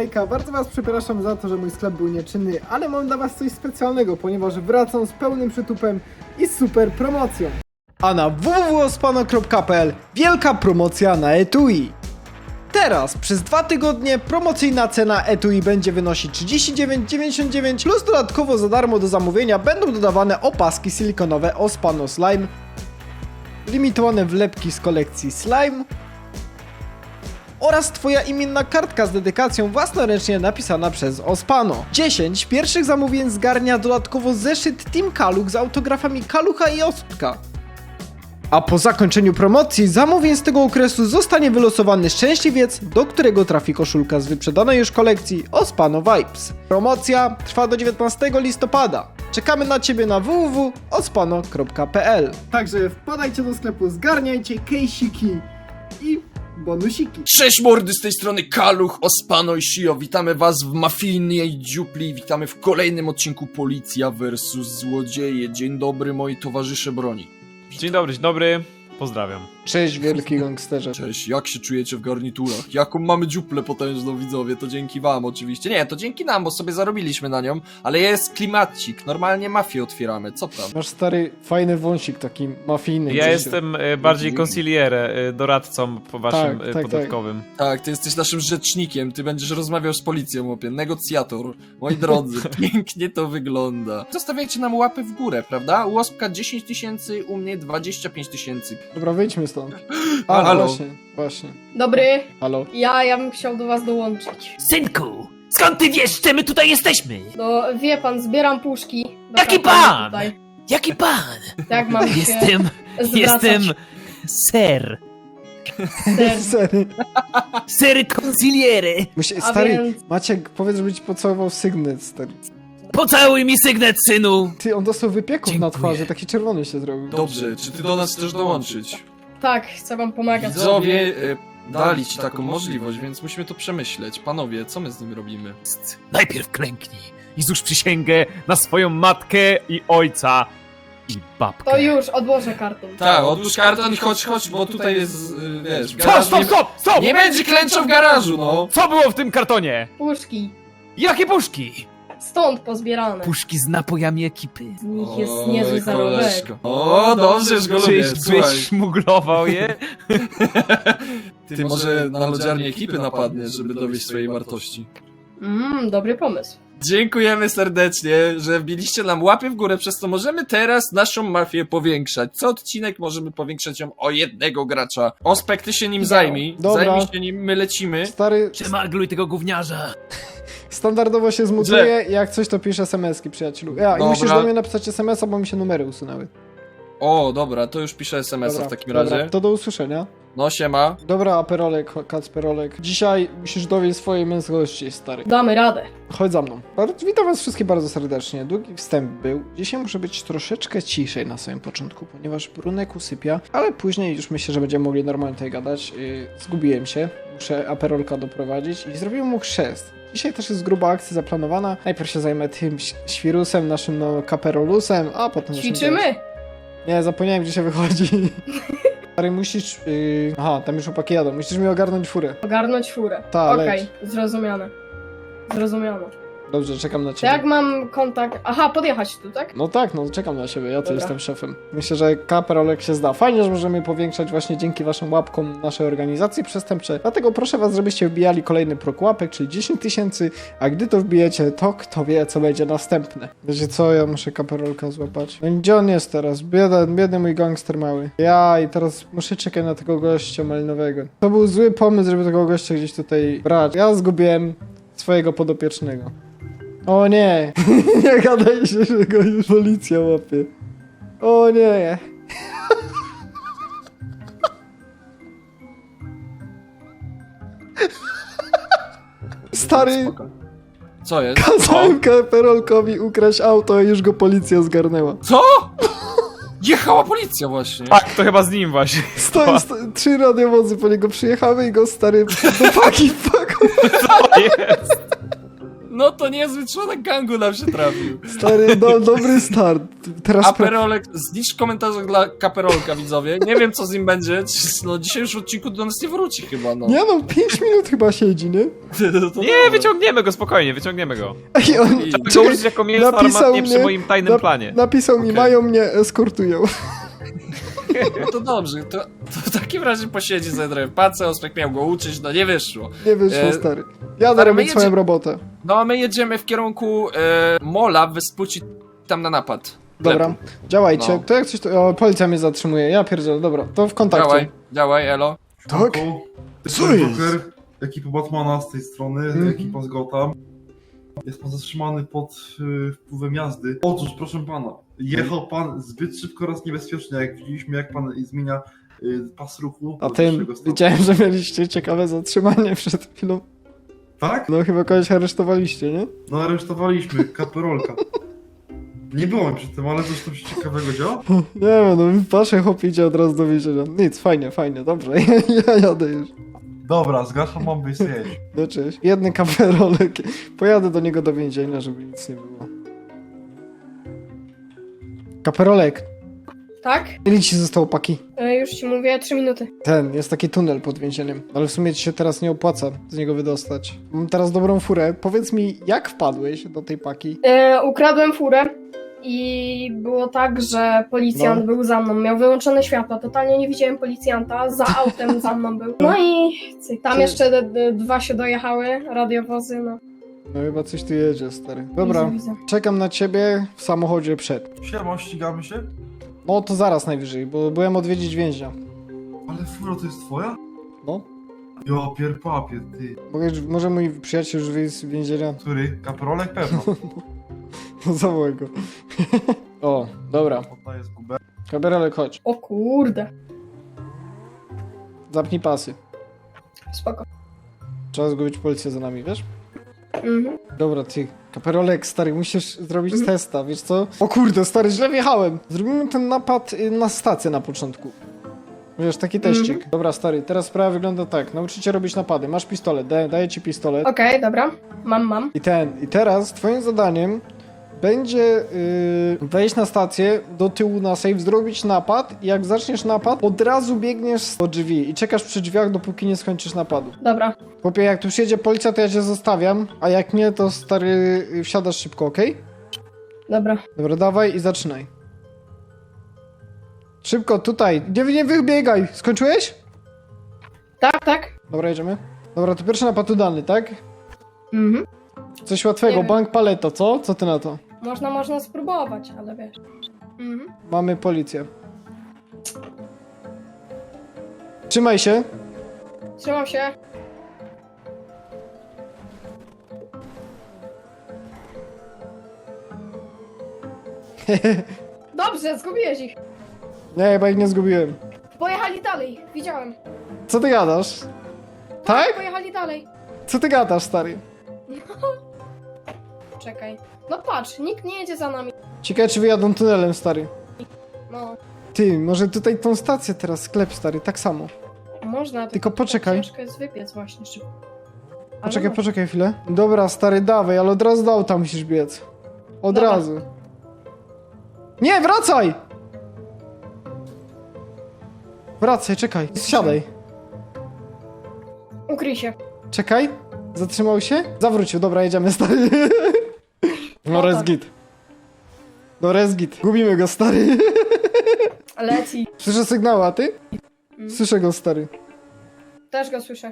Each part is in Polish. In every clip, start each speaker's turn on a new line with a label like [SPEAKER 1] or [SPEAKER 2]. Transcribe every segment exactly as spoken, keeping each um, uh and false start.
[SPEAKER 1] lajka. Bardzo was przepraszam za to, że mój sklep był nieczynny, ale mam dla was coś specjalnego, ponieważ wracam z pełnym przytupem i z super promocją. A na w w w kropka ospano kropka p l wielka promocja na etui. Teraz przez dwa tygodnie promocyjna cena etui będzie wynosić trzydzieści dziewięć dziewięćdziesiąt dziewięć plus dodatkowo za darmo do zamówienia będą dodawane opaski silikonowe Ospano Slime, limitowane wlepki z kolekcji Slime oraz twoja imienna kartka z dedykacją własnoręcznie napisana przez Ospano. dziesięć pierwszych zamówień zgarnia dodatkowo zeszyt Team Kaluch z autografami Kalucha i Ospka. A po zakończeniu promocji zamówień z tego okresu zostanie wylosowany szczęśliwiec, do którego trafi koszulka z wyprzedanej już kolekcji Ospano Vibes. Promocja trwa do dziewiętnastego listopada. Czekamy na ciebie na w w w kropka ospano kropka p l. Także wpadajcie do sklepu, zgarniajcie kejsiki i bonusiki.
[SPEAKER 2] Cześć mordy, z tej strony Kaluch, Ospano i Shio. Witamy was w mafijnej dziupli. Witamy w kolejnym odcinku Policja versus Złodzieje. Dzień dobry moi towarzysze broni.
[SPEAKER 3] Dzień dobry, dzień dobry, pozdrawiam.
[SPEAKER 1] Cześć wielki gangsterze.
[SPEAKER 2] Cześć, jak się czujecie w garniturach? Jaką mamy dziuplę potężną, widzowie? To dzięki wam oczywiście. Nie, to dzięki nam, bo sobie zarobiliśmy na nią, ale jest klimacik. Normalnie mafię otwieramy, co tam?
[SPEAKER 1] Masz stary, fajny wąsik taki mafijny.
[SPEAKER 3] Ja
[SPEAKER 1] gdzieś.
[SPEAKER 3] jestem e, bardziej consigliere, e, doradcą po waszym
[SPEAKER 1] Tak,
[SPEAKER 3] e,
[SPEAKER 1] tak,
[SPEAKER 3] podatkowym.
[SPEAKER 2] Tak, ty jesteś naszym rzecznikiem, ty będziesz rozmawiał z policją, łopie. Negocjator. Moi drodzy, pięknie to wygląda. Zostawiajcie nam łapy w górę, prawda? U Ospka dziesięć tysięcy, u mnie dwadzieścia pięć tysięcy.
[SPEAKER 1] Dobra, wyjdźmy stąd. A,
[SPEAKER 2] Halo.
[SPEAKER 1] właśnie, właśnie.
[SPEAKER 4] Dobry,
[SPEAKER 1] Halo.
[SPEAKER 4] ja, ja bym chciał do was dołączyć.
[SPEAKER 5] Synku, skąd ty wiesz, że my tutaj jesteśmy?
[SPEAKER 4] No, wie pan, zbieram puszki. do
[SPEAKER 5] Jaki
[SPEAKER 4] kartonu
[SPEAKER 5] pan?
[SPEAKER 4] Tutaj.
[SPEAKER 5] Jaki pan?
[SPEAKER 4] Tak mam się
[SPEAKER 5] Jestem,
[SPEAKER 4] zwracać.
[SPEAKER 5] jestem ser.
[SPEAKER 4] Ser.
[SPEAKER 1] Sery.
[SPEAKER 5] Ser consigliere.
[SPEAKER 1] Musi,
[SPEAKER 4] A
[SPEAKER 1] stary,
[SPEAKER 4] więc-
[SPEAKER 1] Maciek, powiedz, żeby ci pocałował sygnet, stary.
[SPEAKER 5] Pocałuj mi sygnet, synu.
[SPEAKER 1] Ty, on dostał wypieków na
[SPEAKER 5] Dziękuję.
[SPEAKER 1] twarzy, taki czerwony się zrobił.
[SPEAKER 2] Dobrze, czy ty do nas chcesz dołączyć?
[SPEAKER 4] Tak, chcę wam pomagać.
[SPEAKER 2] Widzowie e, dali ci taką możliwość, więc musimy to przemyśleć. Panowie, co my z nim robimy?
[SPEAKER 5] Najpierw klęknij.
[SPEAKER 3] I złóż przysięgę na swoją matkę i ojca i babkę.
[SPEAKER 4] To już, odłożę karton.
[SPEAKER 2] Tak, odłóż karton i chodź, chodź, bo tutaj jest, y, wiesz,
[SPEAKER 3] Stop,
[SPEAKER 2] garaż
[SPEAKER 3] stop,
[SPEAKER 2] nie,
[SPEAKER 3] stop, stop!
[SPEAKER 2] nie będzie klęczał w garażu, no!
[SPEAKER 3] Co było w tym kartonie?
[SPEAKER 4] Puszki.
[SPEAKER 3] Jakie puszki?
[SPEAKER 4] Stąd pozbierane.
[SPEAKER 5] Puszki z napojami ekipy.
[SPEAKER 4] Z nich jest
[SPEAKER 2] Oj,
[SPEAKER 4] niezły zarobek.
[SPEAKER 2] koleżko. O, dobrze, że go lubię,
[SPEAKER 3] Czyś,
[SPEAKER 2] słuchaj.
[SPEAKER 3] czyś szmuglował je?
[SPEAKER 2] Ty może na lodziarnię ekipy napadniesz, żeby dowieść swojej wartości.
[SPEAKER 4] Mmm, dobry pomysł.
[SPEAKER 2] Dziękujemy serdecznie, że wbiliście nam łapy w górę, przez co możemy teraz naszą mafię powiększać. Co odcinek możemy powiększać ją o jednego gracza. Ospek, ty się nim zajmij.
[SPEAKER 1] Dobra.
[SPEAKER 2] Zajmij się nim, my lecimy.
[SPEAKER 1] Stary,
[SPEAKER 5] Przemagluj tego gówniarza.
[SPEAKER 1] standardowo się zmutuje, jak coś to pisze es em eski, przyjacielu. Ja, i
[SPEAKER 2] Dobra.
[SPEAKER 1] musisz do mnie napisać es em es a, bo mi się numery usunęły.
[SPEAKER 2] O, dobra, to już piszę es em es a
[SPEAKER 1] Dobra,
[SPEAKER 2] w takim
[SPEAKER 1] dobra,
[SPEAKER 2] razie.
[SPEAKER 1] to do usłyszenia.
[SPEAKER 2] No, siema.
[SPEAKER 1] Dobra, Aperolek, Kacperolek. Dzisiaj musisz dowieść swojej męskości, stary.
[SPEAKER 4] Damy radę.
[SPEAKER 1] Chodź za mną. Bardzo, witam was wszystkich bardzo serdecznie. Długi wstęp był. Dzisiaj muszę być troszeczkę ciszej na samym początku, ponieważ Brunek usypia, ale później już myślę, że będziemy mogli normalnie tutaj gadać. Yy, zgubiłem się. Muszę Aperolka doprowadzić i zrobiłem mu chrzest. Dzisiaj też jest gruba akcja zaplanowana. Najpierw się zajmę tym ś- świrusem, naszym no kaperolusem, a potem... naszym
[SPEAKER 4] Ćwiczymy?
[SPEAKER 1] Nie, zapomniałem, gdzie się wychodzi. Stary, musisz... Yy... Aha, tam już chłopaki jadą. Musisz mi ogarnąć furę.
[SPEAKER 4] Ogarnąć furę.
[SPEAKER 1] Ta,
[SPEAKER 4] Okej,
[SPEAKER 1] leć.
[SPEAKER 4] zrozumiane. Zrozumiano.
[SPEAKER 1] Dobrze, czekam na
[SPEAKER 4] To
[SPEAKER 1] ciebie.
[SPEAKER 4] jak mam kontakt... Aha, podjechać tu, tak?
[SPEAKER 1] No tak, no czekam na siebie, ja tu
[SPEAKER 4] Dobra.
[SPEAKER 1] jestem szefem. Myślę, że Kaperolek się zda. Fajnie, że możemy powiększać właśnie dzięki waszym łapkom naszej organizacji przestępcze. Dlatego proszę was, żebyście wbijali kolejny próg łapek, czyli dziesięć tysięcy, a gdy to wbijecie, to kto wie, co będzie następne. Wiecie co, ja muszę Kaperolka złapać. No i gdzie on jest teraz? Bieda, biedny mój gangster mały. Ja i teraz muszę czekać na tego gościa malinowego. To był zły pomysł, żeby tego gościa gdzieś tutaj brać. Ja zgubiłem swojego podopiecznego. O nie! Nie gadaj się, że go już policja łapie. O nie! Stary,
[SPEAKER 2] Spoko. Co jest?
[SPEAKER 1] kazałem Kaperolkowi ukraść auto i już go policja zgarnęła.
[SPEAKER 2] Co? Jechała policja właśnie.
[SPEAKER 3] Tak, to chyba z nim właśnie.
[SPEAKER 1] Stoi, sto, trzy radiowozy po niego przyjechały i go stary do paki wpakował.
[SPEAKER 3] To jest.
[SPEAKER 2] No to to niezły członek gangu nam się trafił.
[SPEAKER 1] Stary, do, dobry start. Teraz... pra-
[SPEAKER 2] Aperolek, znicz komentarz dla Kaperolka, widzowie. Nie wiem, co z nim będzie. No dzisiaj już w odcinku do nas nie wróci chyba, no.
[SPEAKER 1] Nie no, pięć minut chyba siedzi, nie?
[SPEAKER 2] To
[SPEAKER 3] Nie,
[SPEAKER 2] dobra.
[SPEAKER 3] wyciągniemy go, spokojnie, wyciągniemy go.
[SPEAKER 1] Ej, on,
[SPEAKER 2] I-
[SPEAKER 3] Trzeba go
[SPEAKER 1] czekaj,
[SPEAKER 3] użyć jako mięso
[SPEAKER 1] napisał
[SPEAKER 3] armatnie
[SPEAKER 1] mnie-
[SPEAKER 3] przy moim tajnym
[SPEAKER 1] na-
[SPEAKER 3] planie.
[SPEAKER 1] napisał mi,
[SPEAKER 2] Okej.
[SPEAKER 1] mają mnie, eskortują.
[SPEAKER 2] No to dobrze, to, to w takim razie posiedzi za trochę pacę, Ospek miał go uczyć, no nie wyszło.
[SPEAKER 1] Nie wyszło,
[SPEAKER 2] E,
[SPEAKER 1] stary. Jadę
[SPEAKER 2] stary, my
[SPEAKER 1] robić swoją
[SPEAKER 2] jedzie-
[SPEAKER 1] robotę.
[SPEAKER 2] No a my jedziemy w kierunku e, Mola, Wyspuci, tam na napad.
[SPEAKER 1] Dobra,
[SPEAKER 2] Lepo.
[SPEAKER 1] działajcie.
[SPEAKER 2] No.
[SPEAKER 1] To jak coś, to... O, policja mnie zatrzymuje, ja pierdzielę, dobra, to w kontakcie.
[SPEAKER 2] Działaj, działaj, elo.
[SPEAKER 1] Tak? Co
[SPEAKER 6] Jestem
[SPEAKER 1] jest?
[SPEAKER 6] Joker, ekipa Batmana z tej strony,
[SPEAKER 1] Mhm.
[SPEAKER 6] ekipa z Gotham. Jest pan zatrzymany pod y, wpływem jazdy. Otóż, proszę pana, jechał pan zbyt szybko oraz niebezpiecznie, jak widzieliśmy, jak pan zmienia y, pas ruchu.
[SPEAKER 1] A
[SPEAKER 6] do
[SPEAKER 1] tym,
[SPEAKER 6] wyższego stopnia.
[SPEAKER 1] widziałem, że mieliście ciekawe zatrzymanie przed chwilą.
[SPEAKER 6] Tak?
[SPEAKER 1] No chyba kogoś aresztowaliście, nie?
[SPEAKER 6] No aresztowaliśmy, kaperolka. Nie było mi przy tym, ale coś tam się ciekawego działa?
[SPEAKER 1] Nie wiem, no wasze chłop idzie od razu do więzienia. Nic, fajnie, fajnie, dobrze, ja jadę już.
[SPEAKER 6] Dobra, zgaszam bombę i zjeść.
[SPEAKER 1] No cześć. Jedny kamerolek. Pojadę do niego do więzienia, żeby nic nie było. Kaperolek,
[SPEAKER 4] Tak?
[SPEAKER 1] ile ci zostało paki?
[SPEAKER 4] E, już ci mówię, trzy minuty.
[SPEAKER 1] Ten, jest taki tunel pod więzieniem, ale w sumie ci się teraz nie opłaca z niego wydostać. Mam teraz dobrą furę. Powiedz mi, jak wpadłeś do tej paki?
[SPEAKER 4] E, ukradłem furę i było tak, że policjant
[SPEAKER 1] No.
[SPEAKER 4] był za mną. Miał wyłączone światła, totalnie nie widziałem policjanta, za autem za mną był. No i cyk. Tam
[SPEAKER 1] Czy-
[SPEAKER 4] jeszcze d- d- dwa się dojechały, radiowozy, no.
[SPEAKER 1] No chyba coś tu jedzie, stary. Dobra,
[SPEAKER 4] Widzę, widzę.
[SPEAKER 1] czekam na ciebie w samochodzie przed.
[SPEAKER 6] Siema, ścigamy się?
[SPEAKER 1] No to zaraz najwyżej, bo byłem odwiedzić więźnia.
[SPEAKER 6] Ale furo, to jest twoja?
[SPEAKER 1] No.
[SPEAKER 6] Jo, pier papier, ty.
[SPEAKER 1] Mogę, może mój przyjaciel już wyjść z więzienia?
[SPEAKER 6] Który? Kaperolek? Pewno.
[SPEAKER 1] No zawołaj go. O, dobra.
[SPEAKER 6] Oddaję zgubę.
[SPEAKER 1] Kamerolek, chodź.
[SPEAKER 4] O kurde.
[SPEAKER 1] Zapnij pasy.
[SPEAKER 4] Spoko.
[SPEAKER 1] Trzeba zgubić policję za nami, wiesz?
[SPEAKER 4] Mhm.
[SPEAKER 1] Dobra, ty, kaperolek, stary, musisz zrobić
[SPEAKER 4] Mhm.
[SPEAKER 1] testa, wiesz co? O kurde, stary, źle wjechałem. Zrobimy ten napad y, na stację na początku. Wiesz, taki teścik.
[SPEAKER 4] Mhm.
[SPEAKER 1] Dobra, stary, teraz sprawa wygląda tak. Nauczycie robić napady. Masz pistolet, da, daję ci pistolet.
[SPEAKER 4] Okej, dobra. Mam, mam.
[SPEAKER 1] I ten, i teraz twoim zadaniem będzie yy, wejść na stację, do tyłu na safe, zrobić napad i jak zaczniesz napad, od razu biegniesz do drzwi i czekasz przy drzwiach, dopóki nie skończysz napadu.
[SPEAKER 4] Dobra.
[SPEAKER 1] Chłopie, jak tu przyjedzie policja, to ja cię zostawiam, a jak nie, to stary, y, wsiadasz szybko, okej?
[SPEAKER 4] Dobra.
[SPEAKER 1] Dobra, dawaj i zaczynaj. Szybko, tutaj. Nie, nie wybiegaj. Skończyłeś?
[SPEAKER 4] Tak, tak.
[SPEAKER 1] Dobra, jedziemy. Dobra, to pierwszy napad udany, tak?
[SPEAKER 4] Mhm.
[SPEAKER 1] Coś łatwego,
[SPEAKER 4] Nie wiem.
[SPEAKER 1] bank paleto, co? Co ty na to?
[SPEAKER 4] Można, można spróbować, ale wiesz. Mhm.
[SPEAKER 1] Mamy policję. Trzymaj się.
[SPEAKER 4] Trzymam się. Dobrze, zgubiłeś ich.
[SPEAKER 1] Nie, chyba ich nie zgubiłem.
[SPEAKER 4] Pojechali dalej, widziałem.
[SPEAKER 1] Co ty gadasz? Tak?
[SPEAKER 4] Pojechali dalej.
[SPEAKER 1] Co ty gadasz, stary?
[SPEAKER 4] Czekaj. No patrz, nikt nie jedzie za nami.
[SPEAKER 1] Ciekawe, czy wyjadą tunelem, stary.
[SPEAKER 4] No,
[SPEAKER 1] Ty, może tutaj tą stację teraz, sklep, stary, tak samo.
[SPEAKER 4] można.
[SPEAKER 1] Tylko poczekaj.
[SPEAKER 4] Ciężko jest wybiec właśnie szybko. Ale
[SPEAKER 1] Poczekaj,
[SPEAKER 4] można.
[SPEAKER 1] poczekaj chwilę. Dobra, stary, dawaj, ale od razu do auta musisz biec. Od
[SPEAKER 4] Dobra.
[SPEAKER 1] razu. Nie, wracaj! Wracaj, czekaj, siadaj.
[SPEAKER 4] Ukryj się.
[SPEAKER 1] Czekaj, zatrzymał się? Zawrócił, dobra, jedziemy, stary. No,
[SPEAKER 4] No
[SPEAKER 1] res
[SPEAKER 4] tak.
[SPEAKER 1] git. No, res git. Gubimy go, stary.
[SPEAKER 4] Leci.
[SPEAKER 1] Słyszę sygnały, a ty?
[SPEAKER 4] Mm.
[SPEAKER 1] Słyszę go, stary.
[SPEAKER 4] Też go słyszę.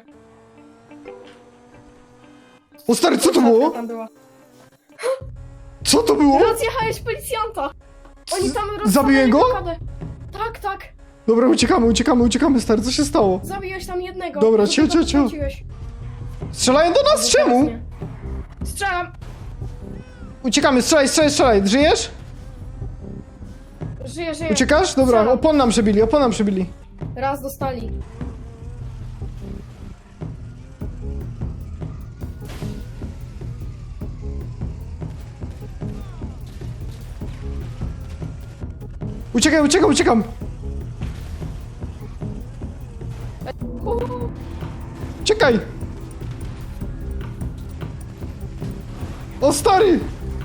[SPEAKER 1] O, stary, co to
[SPEAKER 4] Policjantka
[SPEAKER 1] było?
[SPEAKER 4] Tam była.
[SPEAKER 1] Co to było?
[SPEAKER 4] Rozjechałeś policjanta! Oni tam
[SPEAKER 1] Zabiłem
[SPEAKER 4] rozwalili
[SPEAKER 1] go?
[SPEAKER 4] blokadę. Tak, tak.
[SPEAKER 1] Dobra, uciekamy, uciekamy, uciekamy, stary, co się stało?
[SPEAKER 4] Zabiłeś tam jednego.
[SPEAKER 1] Dobra,
[SPEAKER 4] No
[SPEAKER 1] cio,
[SPEAKER 4] to
[SPEAKER 1] cio, cio.
[SPEAKER 4] podkręciłeś.
[SPEAKER 1] Strzelają do nas, czemu?
[SPEAKER 4] Teraz nie. Strzelam.
[SPEAKER 1] Uciekamy, strzelaj, strzelaj, strzelaj, żyjesz?
[SPEAKER 4] Żyję, żyję.
[SPEAKER 1] Uciekasz? Dobra,
[SPEAKER 4] Strzelam.
[SPEAKER 1] opon nam przebili, opon nam przebili.
[SPEAKER 4] Raz dostali.
[SPEAKER 1] Uciekaj, uciekam, uciekam! Uciekaj! O stary!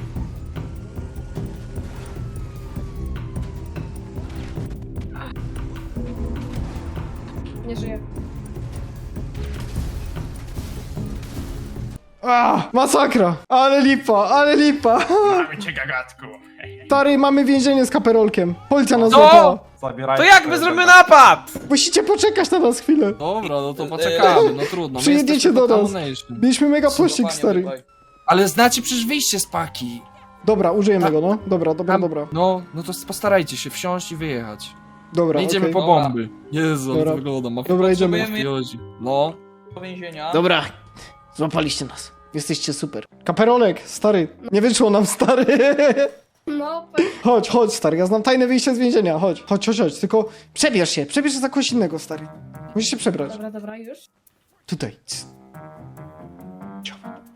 [SPEAKER 4] Nie żyję.
[SPEAKER 1] A, masakra! Ale lipa, ale lipa!
[SPEAKER 3] Mamy cię, gagatku.
[SPEAKER 1] Stary, mamy więzienie z kaperolkiem. Policja nas
[SPEAKER 3] Co?
[SPEAKER 1] złapała.
[SPEAKER 3] To jak my zrobimy napad?
[SPEAKER 1] Musicie poczekać na nas chwilę.
[SPEAKER 2] Dobra, no to poczekamy, no trudno. my
[SPEAKER 1] Przyjedziecie
[SPEAKER 2] jesteśmy
[SPEAKER 1] do nas.
[SPEAKER 2] Contamination.
[SPEAKER 1] Mieliśmy mega pościg, stary.
[SPEAKER 2] Ale znacie przecież wyjście z paki.
[SPEAKER 1] Dobra, użyjemy go, no. Dobra, dobra,
[SPEAKER 2] Tam-
[SPEAKER 1] dobra.
[SPEAKER 2] No, no to postarajcie się wsiąść i wyjechać.
[SPEAKER 1] Dobra,
[SPEAKER 2] Nie idziemy
[SPEAKER 1] okej.
[SPEAKER 2] po
[SPEAKER 7] Dobra.
[SPEAKER 2] bomby. Jezu, ale
[SPEAKER 1] Dobra.
[SPEAKER 2] to wygląda. Ma
[SPEAKER 1] Dobra, idziemy.
[SPEAKER 2] mafiozi. No.
[SPEAKER 7] Do więzienia.
[SPEAKER 1] Dobra, złapaliście nas. Jesteście super. Kaperolek, stary. Nie wyszło nam, stary.
[SPEAKER 4] No,
[SPEAKER 1] Chodź, chodź, stary. Ja znam tajne wyjście z więzienia. Chodź, chodź, chodź, chodź. Tylko przebierz się. Przebierz się za kogoś innego, stary. Musisz się przebrać.
[SPEAKER 4] dobra, dobra, już.
[SPEAKER 1] Tutaj. Cs. Cio.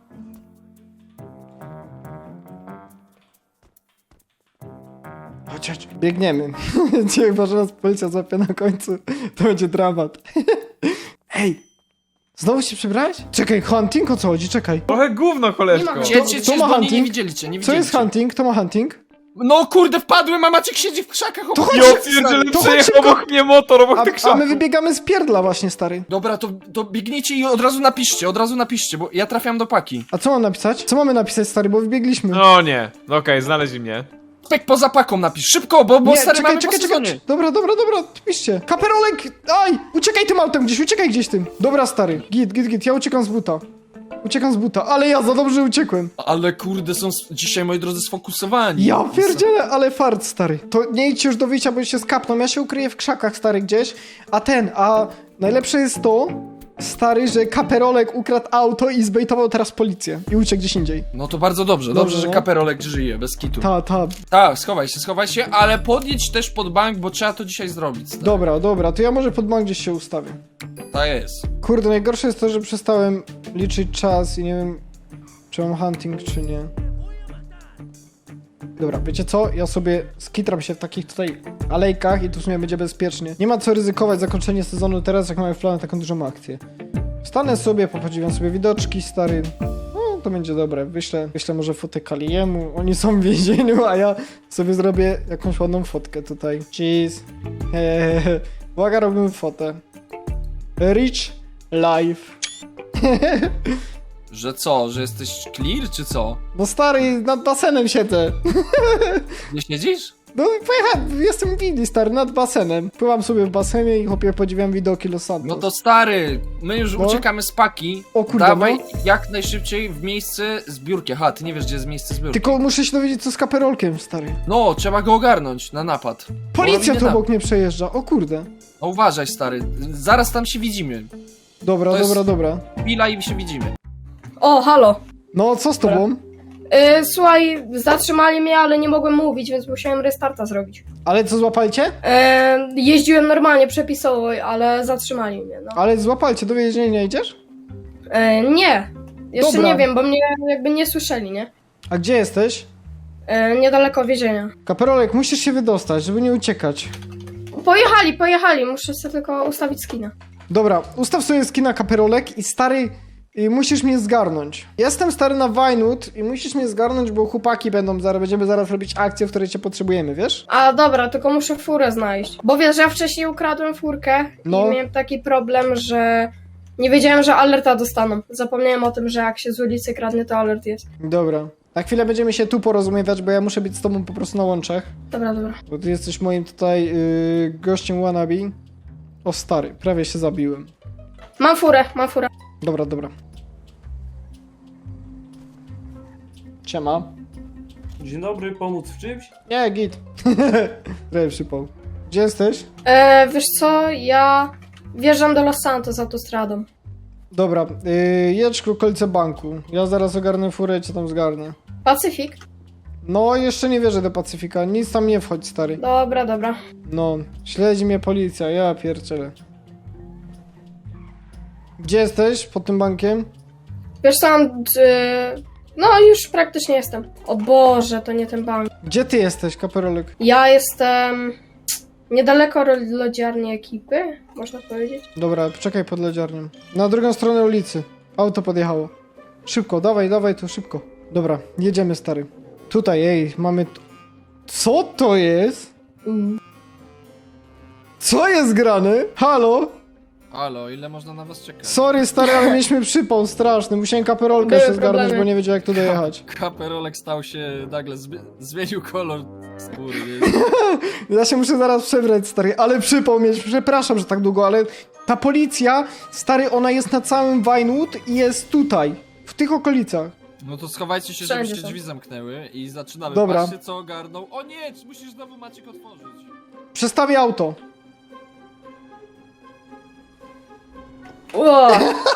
[SPEAKER 1] Chodź, chodź. Biegniemy. Cię chyba, że nas policja złapie na końcu. To będzie dramat. Ej! Znowu się przebrałeś? Czekaj, hunting? O co chodzi? Czekaj.
[SPEAKER 3] Trochę gówno, koleżko.
[SPEAKER 4] Nie ma-
[SPEAKER 2] Cie, cie,
[SPEAKER 1] kto
[SPEAKER 2] cie,
[SPEAKER 1] ma
[SPEAKER 2] bo nie, nie
[SPEAKER 1] hunting?
[SPEAKER 2] widzieliście, nie
[SPEAKER 1] Co
[SPEAKER 2] widzieliście.
[SPEAKER 1] jest hunting? Kto ma hunting?
[SPEAKER 2] No kurde, wpadłem, a Maciek siedzi w krzakach.
[SPEAKER 1] To chodź,
[SPEAKER 3] Ja pierdzielę,
[SPEAKER 1] to chodź
[SPEAKER 3] przejechał
[SPEAKER 1] szybko.
[SPEAKER 3] obok mnie motor, obok
[SPEAKER 1] A,
[SPEAKER 3] tych
[SPEAKER 1] a
[SPEAKER 3] krzaków.
[SPEAKER 1] my wybiegamy z pierdla właśnie, stary.
[SPEAKER 2] Dobra, to, to biegnijcie i od razu napiszcie, od razu napiszcie, bo ja trafiam do paki.
[SPEAKER 1] A co mam napisać? Co mamy napisać, stary, bo wybiegliśmy.
[SPEAKER 3] No nie, no okej, znaleźli mnie.
[SPEAKER 2] Pek poza paką napisz, szybko, bo, bo
[SPEAKER 1] Nie,
[SPEAKER 2] stary
[SPEAKER 1] czekaj,
[SPEAKER 2] mamy
[SPEAKER 1] czekaj,
[SPEAKER 2] po
[SPEAKER 1] czekaj.
[SPEAKER 2] sezonie.
[SPEAKER 1] Dobra, dobra, dobra, piszcie. Kaperolek! Aj! Uciekaj tym autem gdzieś, uciekaj gdzieś tym. Dobra, stary. Git, git, git, ja uciekam z buta. Uciekam z buta, ale ja za dobrze uciekłem.
[SPEAKER 2] Ale kurde, są s- dzisiaj, moi drodzy, sfokusowani.
[SPEAKER 1] Ja pierdzielę, ale fart, stary. To nie idźcie już do wyjścia, bo się skapną. Ja się ukryję w krzakach, stary, gdzieś. A ten, a najlepsze jest to, stary, że Kaperolek ukradł auto i zbejtował teraz policję. I uciekł gdzieś indziej.
[SPEAKER 2] No to bardzo dobrze,
[SPEAKER 1] Dobrze,
[SPEAKER 2] dobrze, że
[SPEAKER 1] no.
[SPEAKER 2] Kaperolek żyje, bez kitu.
[SPEAKER 1] Ta, ta.
[SPEAKER 2] Tak, schowaj się, schowaj się, ale podjedź też pod bank, bo trzeba to dzisiaj zrobić. Stary.
[SPEAKER 1] Dobra, dobra, to ja może pod bank gdzieś się ustawię.
[SPEAKER 2] Tak jest.
[SPEAKER 1] Kurde, najgorsze jest to, że przestałem liczyć czas i nie wiem, czy mam hunting, czy nie. Dobra, wiecie co? Ja sobie skitram się w takich tutaj alejkach i tu w sumie będzie bezpiecznie. Nie ma co ryzykować zakończenie sezonu teraz, jak mamy w planie taką dużą akcję. Wstanę sobie, popodziwiam sobie widoczki, stary. No, to będzie dobre. Wyślę, wyślę może fotę Kaliemu. Oni są w więzieniu, a ja sobie zrobię jakąś ładną fotkę tutaj. Cheese. Hehehe. Uwaga, robimy fotę. Rich life.
[SPEAKER 2] Że co, że jesteś clear, czy co?
[SPEAKER 1] No stary, nad basenem siedzę.
[SPEAKER 2] Nie siedzisz?
[SPEAKER 1] No pojechałem, jestem winny, stary, nad basenem. Pływam sobie w basenie i chłopie podziwiam widoki Los Santos.
[SPEAKER 2] No to stary, my już
[SPEAKER 1] No.
[SPEAKER 2] uciekamy z paki.
[SPEAKER 1] O kurde,
[SPEAKER 2] Dawaj
[SPEAKER 1] no.
[SPEAKER 2] jak najszybciej w miejsce zbiórki. Aha, ty nie wiesz, gdzie jest miejsce zbiórki.
[SPEAKER 1] Tylko muszę się dowiedzieć, co z kaperolkiem, stary.
[SPEAKER 2] No, trzeba go ogarnąć na napad.
[SPEAKER 1] Policja
[SPEAKER 2] Robimy
[SPEAKER 1] tu
[SPEAKER 2] tam.
[SPEAKER 1] obok mnie przejeżdża, o kurde.
[SPEAKER 2] No uważaj, stary, zaraz tam się widzimy.
[SPEAKER 1] Dobra,
[SPEAKER 2] To jest-
[SPEAKER 1] dobra, dobra.
[SPEAKER 2] Chwila i się widzimy.
[SPEAKER 4] O, halo.
[SPEAKER 1] No, co z tobą?
[SPEAKER 4] Yy, słuchaj, zatrzymali mnie, ale nie mogłem mówić, więc musiałem restarta zrobić.
[SPEAKER 1] Ale co, złapalcie?
[SPEAKER 4] Yy, jeździłem normalnie, przepisowo, ale zatrzymali mnie, no.
[SPEAKER 1] Ale złapalcie, do więzienia idziesz?
[SPEAKER 4] Yy, nie. Jeszcze
[SPEAKER 1] Dobra.
[SPEAKER 4] nie wiem, bo mnie jakby nie słyszeli, nie?
[SPEAKER 1] A gdzie jesteś?
[SPEAKER 4] Yy, niedaleko więzienia.
[SPEAKER 1] Kaperolek, musisz się wydostać, żeby nie uciekać.
[SPEAKER 4] Pojechali, pojechali, muszę sobie tylko ustawić skina.
[SPEAKER 1] Dobra, ustaw sobie skina kaperolek i stary, i musisz mnie zgarnąć. Jestem stary na Vinewood i musisz mnie zgarnąć, bo chłopaki będą zaraz, będziemy zaraz robić akcję, w której cię potrzebujemy, wiesz?
[SPEAKER 4] A dobra, tylko muszę furę znaleźć. Bo wiesz, ja wcześniej ukradłem furkę
[SPEAKER 1] No.
[SPEAKER 4] i miałem taki problem, że nie wiedziałem, że alerta dostaną. Zapomniałem o tym, że jak się z ulicy kradnie, to alert jest.
[SPEAKER 1] Dobra. Na chwilę będziemy się tu porozumiewać, bo ja muszę być z tobą po prostu na łączach.
[SPEAKER 4] Dobra, dobra.
[SPEAKER 1] Bo ty jesteś moim tutaj yy, gościem wannabe. O stary, prawie się zabiłem.
[SPEAKER 4] Mam furę, mam furę.
[SPEAKER 1] Dobra, dobra. Siema.
[SPEAKER 8] Dzień dobry, pomóc w czymś?
[SPEAKER 1] Nie, git. Prawie przypał. Gdzie jesteś?
[SPEAKER 4] E, wiesz co, ja wjeżdżam do Los Santos autostradą.
[SPEAKER 1] Dobra, yy, jedź ku okolice banku. Ja zaraz ogarnę furę i cię tam zgarnę.
[SPEAKER 4] Pacyfik?
[SPEAKER 1] No, jeszcze nie wierzę do Pacyfika. Nic tam nie wchodź, stary.
[SPEAKER 4] Dobra, dobra.
[SPEAKER 1] No, śledzi mnie policja, ja pierdzielę. Gdzie jesteś? Pod tym bankiem?
[SPEAKER 4] Wiesz co, mam... E, no już praktycznie jestem. O Boże, to nie ten bank.
[SPEAKER 1] Gdzie ty jesteś, kaperolek?
[SPEAKER 4] Ja jestem niedaleko ro- lodziarni ekipy, można powiedzieć.
[SPEAKER 1] Dobra, poczekaj pod lodziarnią. Na drugą stronę ulicy. Auto podjechało. Szybko, dawaj, dawaj tu, szybko. Dobra, jedziemy, stary. Tutaj, ej, mamy... t- Co to jest?
[SPEAKER 4] Mm.
[SPEAKER 1] Co jest grane? Halo?
[SPEAKER 2] Halo, ile można na was czekać?
[SPEAKER 1] Sorry, stary, ale mieliśmy przypał straszny. Musiałem kaperolkę
[SPEAKER 4] Były
[SPEAKER 1] jeszcze zgarnąć,
[SPEAKER 4] problemy.
[SPEAKER 1] bo nie wiedział, jak tu dojechać.
[SPEAKER 2] Kaperolek stał się nagle, zmi- zmienił kolor skóry, wiesz?
[SPEAKER 1] Ja się muszę zaraz przebrać, stary, ale przypał mieć. Przepraszam, że tak długo, ale ta policja, stary, ona jest na całym Vinewood i jest tutaj, w tych okolicach.
[SPEAKER 2] No to schowajcie się, żeby
[SPEAKER 4] Wszędzie
[SPEAKER 2] się
[SPEAKER 4] są.
[SPEAKER 2] drzwi zamknęły i zaczynamy.
[SPEAKER 1] Dobra.
[SPEAKER 2] Patrzcie, co ogarnął. O nie, musisz znowu Maciek otworzyć.
[SPEAKER 1] Przestawię auto.
[SPEAKER 4] O,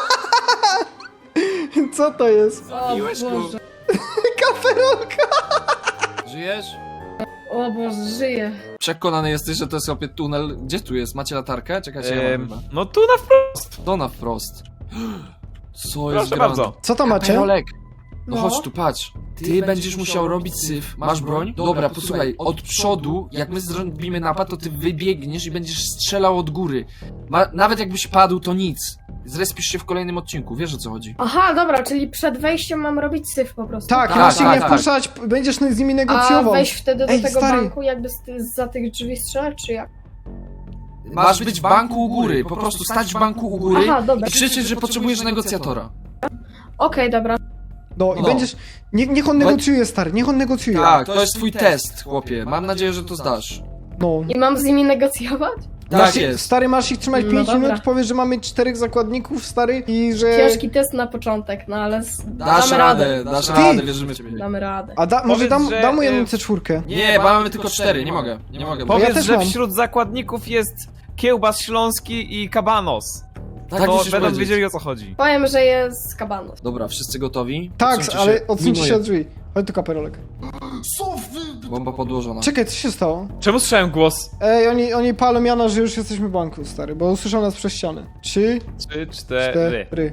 [SPEAKER 1] Co to jest?
[SPEAKER 4] o
[SPEAKER 2] Zabiłeś go.
[SPEAKER 4] Boże.
[SPEAKER 1] Kaperolka!
[SPEAKER 2] Żyjesz?
[SPEAKER 4] O Boże, żyję.
[SPEAKER 2] Przekonany jesteś, że to jest opie tunel. Gdzie tu jest? Macie latarkę? Czekajcie, ja mam
[SPEAKER 3] Ehm,
[SPEAKER 2] chyba.
[SPEAKER 3] no tu na wprost.
[SPEAKER 2] To na wprost. Co jest
[SPEAKER 3] Proszę
[SPEAKER 2] grane?
[SPEAKER 3] bardzo.
[SPEAKER 1] Co to macie?
[SPEAKER 2] Kaperolek. No,
[SPEAKER 4] No.
[SPEAKER 2] chodź tu, patrz. Ty, będziesz musiał robić syf. Masz broń? Dobra, posłuchaj, od przodu, jak my zrobimy napad, to ty wybiegniesz i będziesz strzelał od góry. Ma, nawet jakbyś padł, to nic. Zrespisz się w kolejnym odcinku, wiesz o co chodzi.
[SPEAKER 4] Aha, dobra, czyli przed wejściem mam robić syf po prostu.
[SPEAKER 1] Tak,
[SPEAKER 2] Tak,
[SPEAKER 1] masz ich
[SPEAKER 2] tak,
[SPEAKER 1] nie
[SPEAKER 2] tak.
[SPEAKER 1] wpuszczać, będziesz z nimi
[SPEAKER 4] A
[SPEAKER 1] negocjował.
[SPEAKER 4] wejść wtedy do
[SPEAKER 1] Ej,
[SPEAKER 4] tego
[SPEAKER 1] stary.
[SPEAKER 4] banku, jakby z, za tych drzwi strzelać, czy jak?
[SPEAKER 2] Masz być w banku u góry, po prostu stać w banku u góry
[SPEAKER 4] Aha, dobra.
[SPEAKER 2] i krzyczeć, że potrzebujesz negocjatora.
[SPEAKER 4] Okej, dobra.
[SPEAKER 1] No i
[SPEAKER 2] No.
[SPEAKER 1] będziesz... Nie, niech on negocjuje, stary, niech on negocjuje.
[SPEAKER 2] Tak, to jest twój test, chłopie. Mam nadzieję, że to zdasz.
[SPEAKER 1] No.
[SPEAKER 4] I mam z nimi negocjować?
[SPEAKER 2] Tak
[SPEAKER 1] Masz ich-
[SPEAKER 2] jest.
[SPEAKER 1] Stary, masz ich trzymać
[SPEAKER 4] No
[SPEAKER 1] pięć
[SPEAKER 4] dobra.
[SPEAKER 1] minut, powiesz, że mamy czterech zakładników, stary, i że...
[SPEAKER 4] Ciężki test na początek, no ale s-
[SPEAKER 2] Dasz
[SPEAKER 4] damy
[SPEAKER 2] radę, dasz
[SPEAKER 1] Ty!
[SPEAKER 2] radę, wierzymy w ciebie.
[SPEAKER 4] Damy radę.
[SPEAKER 1] A da, może
[SPEAKER 3] Powiedz,
[SPEAKER 1] dam,
[SPEAKER 3] że,
[SPEAKER 1] dam mu jedną
[SPEAKER 3] y,
[SPEAKER 1] C cztery.
[SPEAKER 2] Nie, bo mamy tylko cztery, nie mogę, nie mogę.
[SPEAKER 1] ja
[SPEAKER 3] Powiedz,
[SPEAKER 1] też
[SPEAKER 3] że
[SPEAKER 1] mam.
[SPEAKER 3] wśród zakładników jest kiełbas śląski i kabanos.
[SPEAKER 2] Tak
[SPEAKER 3] to
[SPEAKER 2] musisz
[SPEAKER 3] będą
[SPEAKER 2] powiedzieć.
[SPEAKER 3] wiedzieli o co chodzi.
[SPEAKER 4] Powiem, że jest kabanos.
[SPEAKER 2] Dobra, wszyscy gotowi?
[SPEAKER 1] Tak,
[SPEAKER 2] Odsuńcie
[SPEAKER 1] ale
[SPEAKER 2] się.
[SPEAKER 1] odsuńcie się
[SPEAKER 2] Minuję.
[SPEAKER 1] od drzwi. Chodź tu, kaperolek.
[SPEAKER 6] Co wy?
[SPEAKER 2] Bomba podłożona.
[SPEAKER 1] Czekaj, co się stało?
[SPEAKER 3] Czemu słyszałem głos?
[SPEAKER 1] Ej, oni, oni palą Jana, że już jesteśmy w banku, stary, bo usłyszą nas przez ścianę. Trzy,
[SPEAKER 3] Trzy, cztery.
[SPEAKER 1] cztery.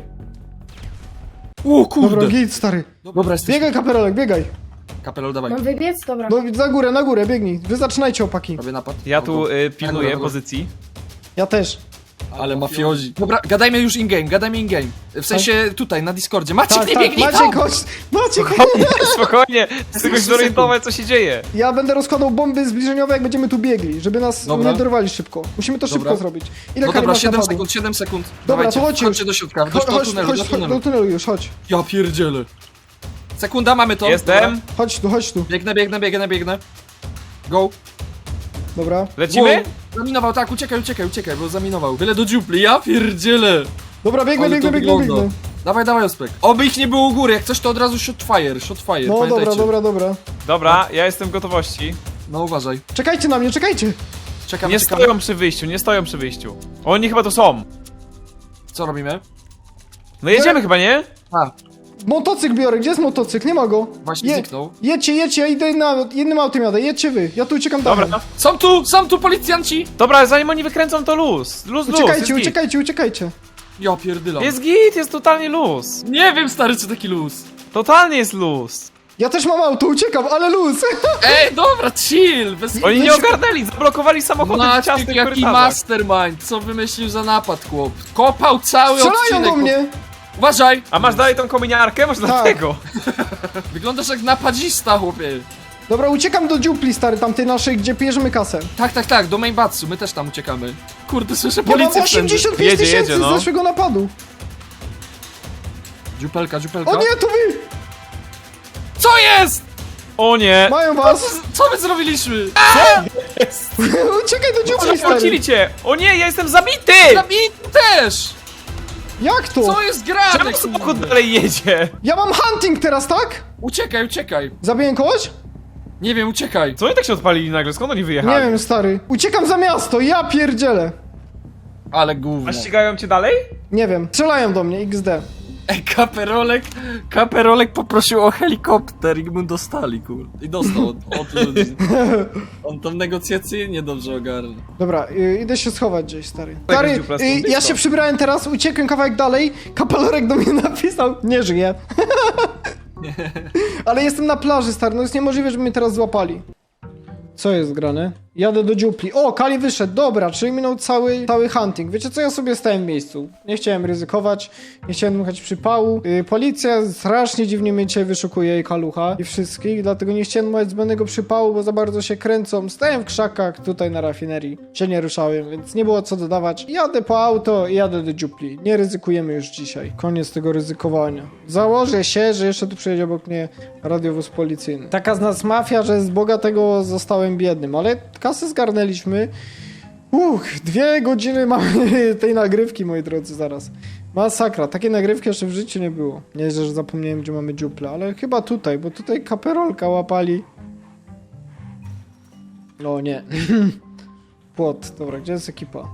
[SPEAKER 2] O
[SPEAKER 1] Dobra,
[SPEAKER 2] kurde!
[SPEAKER 1] git, stary.
[SPEAKER 2] Dobra, jesteś.
[SPEAKER 1] Biegaj, kaperolek, biegaj.
[SPEAKER 2] Kapelol, dawaj.
[SPEAKER 4] Mam wybiec? Dobra.
[SPEAKER 1] No, za górę, na górę, biegnij. Wy zaczynajcie, opaki.
[SPEAKER 2] Robię napad.
[SPEAKER 3] Ja tu y,
[SPEAKER 2] Dobra,
[SPEAKER 3] pilnuję
[SPEAKER 2] dobra.
[SPEAKER 3] pozycji.
[SPEAKER 1] Ja też.
[SPEAKER 2] Ale mafiozi. Dobra, gadajmy już in-game, gadajmy in-game. W sensie tutaj, na Discordzie. Maciek,
[SPEAKER 1] Tak,
[SPEAKER 2] nie
[SPEAKER 1] tak,
[SPEAKER 2] biegnij
[SPEAKER 1] Maciek,
[SPEAKER 2] tam!
[SPEAKER 1] chodź. Maciek,
[SPEAKER 3] Spokojnie, spokojnie. Chcę go zorientować co się dzieje.
[SPEAKER 1] ja będę rozkładał bomby zbliżeniowe, jak będziemy tu biegli, żeby nas
[SPEAKER 2] Dobra.
[SPEAKER 1] nie dorwali szybko. Musimy to
[SPEAKER 2] Dobra.
[SPEAKER 1] szybko zrobić. Ile
[SPEAKER 2] No
[SPEAKER 1] kali
[SPEAKER 2] dobra,
[SPEAKER 1] masz
[SPEAKER 2] siedem
[SPEAKER 1] napadu?
[SPEAKER 2] sekund, siedem sekund.
[SPEAKER 1] Dobra,
[SPEAKER 2] Dawajcie,
[SPEAKER 1] to chodźcie
[SPEAKER 2] wchodźcie
[SPEAKER 1] już.
[SPEAKER 2] do środka, do,
[SPEAKER 1] Chodź,
[SPEAKER 2] do
[SPEAKER 1] chodź,
[SPEAKER 2] tunelu,
[SPEAKER 1] chodź,
[SPEAKER 2] do
[SPEAKER 1] chodź,
[SPEAKER 2] tunelu.
[SPEAKER 1] do tunelu już, chodź.
[SPEAKER 2] Ja pierdzielę. Sekunda, mamy to.
[SPEAKER 3] Jestem.
[SPEAKER 2] Dobra.
[SPEAKER 1] Chodź tu, chodź tu.
[SPEAKER 2] Biegnę, biegnę, biegnę, biegnę. Go.
[SPEAKER 1] Dobra.
[SPEAKER 3] Lecimy?
[SPEAKER 2] Wow. Zaminował, tak, uciekaj, uciekaj, uciekaj, bo zaminował. Byle do dziupli, ja pierdzielę.
[SPEAKER 1] Dobra, biegnę,
[SPEAKER 2] Ale to
[SPEAKER 1] biegnę, biegnę,
[SPEAKER 2] wygląda.
[SPEAKER 1] biegnę.
[SPEAKER 2] Dawaj, dawaj, Ospek. Oby ich nie było u góry, jak coś to od razu shot fire, shot fire,
[SPEAKER 1] No
[SPEAKER 2] pamiętajcie.
[SPEAKER 1] dobra, dobra, dobra.
[SPEAKER 3] Dobra, ja jestem w gotowości.
[SPEAKER 2] No uważaj.
[SPEAKER 1] Czekajcie na mnie, czekajcie.
[SPEAKER 2] Czekamy,
[SPEAKER 3] Nie
[SPEAKER 2] czekamy.
[SPEAKER 3] stoją przy wyjściu, nie stoją przy wyjściu. Oni chyba tu są.
[SPEAKER 2] Co robimy?
[SPEAKER 3] No jedziemy chyba, nie?
[SPEAKER 2] A,
[SPEAKER 1] Motocykl biorę, gdzie jest motocykl? Nie ma go.
[SPEAKER 2] właśnie
[SPEAKER 1] Je-
[SPEAKER 2] zniknął.
[SPEAKER 1] Jedźcie, jedźcie, ja idę na jednym autem jadę, jedźcie wy. Ja tu uciekam dalej.
[SPEAKER 3] Dobra,
[SPEAKER 2] Są tu, są tu policjanci!
[SPEAKER 3] dobra, zanim oni wykręcą to luz. Luz, luz,
[SPEAKER 1] Uciekajcie,
[SPEAKER 3] jest git.
[SPEAKER 1] uciekajcie, uciekajcie.
[SPEAKER 2] Ja pierdylam.
[SPEAKER 3] Jest git, jest totalnie luz.
[SPEAKER 2] Nie wiem, stary, czy taki luz.
[SPEAKER 3] Totalnie jest luz.
[SPEAKER 1] Ja też mam auto, uciekam, ale luz.
[SPEAKER 2] Ej, dobra, chill! Bez...
[SPEAKER 3] Oni nie
[SPEAKER 1] Weź-
[SPEAKER 3] ogarnęli, zablokowali samochody w
[SPEAKER 2] Maciek,
[SPEAKER 3] ciasnych
[SPEAKER 2] jaki
[SPEAKER 3] korytarzach.
[SPEAKER 2] mastermind, co wymyślił za napad, chłop? Kopał cały
[SPEAKER 1] Strzelają
[SPEAKER 2] odcinek.
[SPEAKER 1] do mnie.
[SPEAKER 2] Uważaj!
[SPEAKER 3] A masz dalej tą kominiarkę? Może
[SPEAKER 1] Tak.
[SPEAKER 3] dlatego.
[SPEAKER 2] Wyglądasz jak napadzista, chłopie.
[SPEAKER 1] Dobra, uciekam do dziupli, stary, tamtej naszej, gdzie bierzemy kasę.
[SPEAKER 2] Tak, tak, tak, do Mainbatsu, my też tam uciekamy. Kurde, słyszę
[SPEAKER 1] Ja mam
[SPEAKER 2] policję wszędzie.
[SPEAKER 1] osiemdziesiąt pięć
[SPEAKER 3] Jedzie,
[SPEAKER 1] tysięcy
[SPEAKER 3] jedzie, no.
[SPEAKER 1] z zeszłego napadu.
[SPEAKER 2] Dziupelka, dziupelka.
[SPEAKER 1] O nie, to wy!
[SPEAKER 2] Co jest?
[SPEAKER 3] O nie.
[SPEAKER 1] Mają
[SPEAKER 2] Co,
[SPEAKER 1] was!
[SPEAKER 2] co my zrobiliśmy?
[SPEAKER 1] Uciekaj do dziupli,
[SPEAKER 3] Zapłacili
[SPEAKER 1] stary!
[SPEAKER 3] cię! O nie, ja jestem zabity!
[SPEAKER 2] Zabity też!
[SPEAKER 1] Jak to?
[SPEAKER 2] Co jest grane?
[SPEAKER 3] Czemu samochód
[SPEAKER 2] kurde?
[SPEAKER 3] dalej jedzie?
[SPEAKER 1] Ja mam hunting teraz, tak?
[SPEAKER 2] Uciekaj, uciekaj.
[SPEAKER 1] Zabiję kogoś?
[SPEAKER 2] Nie wiem, uciekaj.
[SPEAKER 3] Co oni tak się odpalili nagle? Skąd oni
[SPEAKER 1] Nie
[SPEAKER 3] wyjechali?
[SPEAKER 1] wiem, stary. Uciekam za miasto, ja pierdzielę.
[SPEAKER 2] Ale gówno.
[SPEAKER 3] A ścigają cię dalej?
[SPEAKER 1] Nie wiem, strzelają do mnie, iks de.
[SPEAKER 2] Ej, kaperolek, kaperolek poprosił o helikopter i mu dostali, kurde. I dostał od, od ludzi. On tam negocjacyjnie dobrze ogarnął.
[SPEAKER 1] Dobra, y, idę się schować gdzieś, stary.
[SPEAKER 3] Tak,
[SPEAKER 1] Stary,
[SPEAKER 3] dziupla,
[SPEAKER 1] y,
[SPEAKER 3] stąd
[SPEAKER 1] ja
[SPEAKER 3] blisko.
[SPEAKER 1] się przybrałem teraz, uciekłem kawałek dalej, kapelorek do mnie napisał, nie żyje. Ale jestem na plaży, stary, no jest niemożliwe, żeby mnie teraz złapali. Co jest grane? Jadę do dziupli. O, Kali wyszedł, dobra, czyli minął cały, cały hunting. Wiecie co, ja sobie stałem w miejscu. Nie chciałem ryzykować, nie chciałem dmuchać przypału. Yy, policja strasznie dziwnie mnie dzisiaj wyszukuje i Kalucha i wszystkich, dlatego nie chciałem dmuchać zbędnego przypału, bo za bardzo się kręcą. Stałem w krzakach tutaj na rafinerii, się nie ruszałem, więc nie było co dodawać. Jadę po auto i jadę do dziupli. Nie ryzykujemy już dzisiaj. Koniec tego ryzykowania. Założę się, że jeszcze tu przyjedzie obok mnie radiowóz policyjny. Taka z nas mafia, że z bogatego zostałem biednym, ale kasę zgarnęliśmy. Uch, dwie godziny mamy tej nagrywki, moi drodzy, zaraz. Masakra, takiej nagrywki jeszcze w życiu nie było. Nie, że zapomniałem, gdzie mamy dziuplę, ale chyba tutaj, bo tutaj kaperolka łapali. O nie. Płot, dobra, gdzie jest ekipa?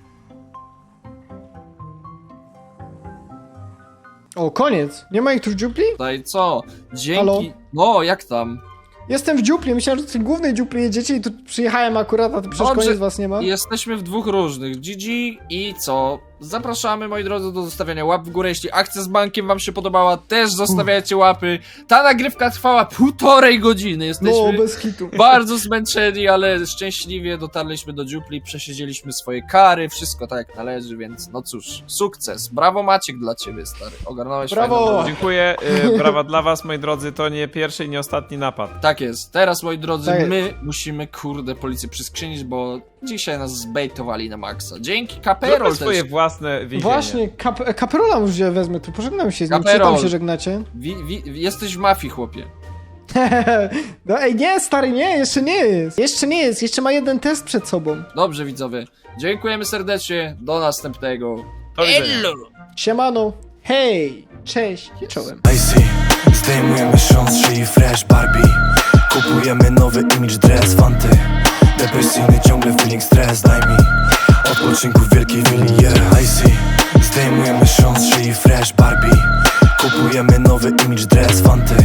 [SPEAKER 1] O, koniec! Nie ma ich tu w dziupli?
[SPEAKER 2] Daj co? Dzięki.
[SPEAKER 1] Halo?
[SPEAKER 2] No, jak tam?
[SPEAKER 1] Jestem w dziupli, myślałem, że w tej głównej dziupli jedziecie i tu przyjechałem akurat, a to przecież
[SPEAKER 2] Dobrze.
[SPEAKER 1] koniec was nie ma.
[SPEAKER 2] Jesteśmy w dwóch różnych. G G i co? Zapraszamy, moi drodzy, do zostawiania łap w górę. Jeśli akcja z bankiem wam się podobała, też zostawiajcie łapy. Ta nagrywka trwała półtorej godziny. Jesteśmy
[SPEAKER 1] No, bez hitu.
[SPEAKER 2] bardzo zmęczeni, ale szczęśliwie dotarliśmy do dziupli, przesiedzieliśmy swoje kary, wszystko tak jak należy, więc no cóż, sukces. Brawo Maciek dla ciebie, stary. Ogarnąłeś
[SPEAKER 1] Brawo!
[SPEAKER 2] fajną-
[SPEAKER 3] Dziękuję, y, brawa dla was, moi drodzy, to nie pierwszy i nie ostatni napad.
[SPEAKER 2] Tak jest. Teraz, moi drodzy,
[SPEAKER 1] Tak jest.
[SPEAKER 2] my musimy, kurde, policję przyskrzynić, bo dzisiaj nas zbejtowali na maksa. Dzięki
[SPEAKER 3] Zróbmy
[SPEAKER 2] Kaperol
[SPEAKER 3] swoje
[SPEAKER 2] też.
[SPEAKER 3] własne więzienie.
[SPEAKER 1] Właśnie, kap kaperola już gdzie wezmę, tu pożegnam się z nim. Czy
[SPEAKER 2] Kaperol.
[SPEAKER 1] tam się żegnacie?
[SPEAKER 2] Wi, wi, jesteś w mafii, chłopie.
[SPEAKER 1] No ej, nie, stary, nie, jeszcze nie jest. Jeszcze nie jest, jeszcze ma jeden test przed sobą.
[SPEAKER 2] Dobrze, widzowie. Dziękujemy serdecznie. Do następnego.
[SPEAKER 3] Do widzenia.
[SPEAKER 1] Siemano, hej, cześć, czołem.
[SPEAKER 7] Icy, zdejmujemy sząs, szyi fresh Barbie. Kupujemy nowy image dress, fanty. Depresyjny ciągle feeling stres, daj mi odpoczynku w wielkiej willi, yeah. Icy, zdejmujemy sząs, szyi fresh Barbie. Kupujemy nowy image dress, fanty.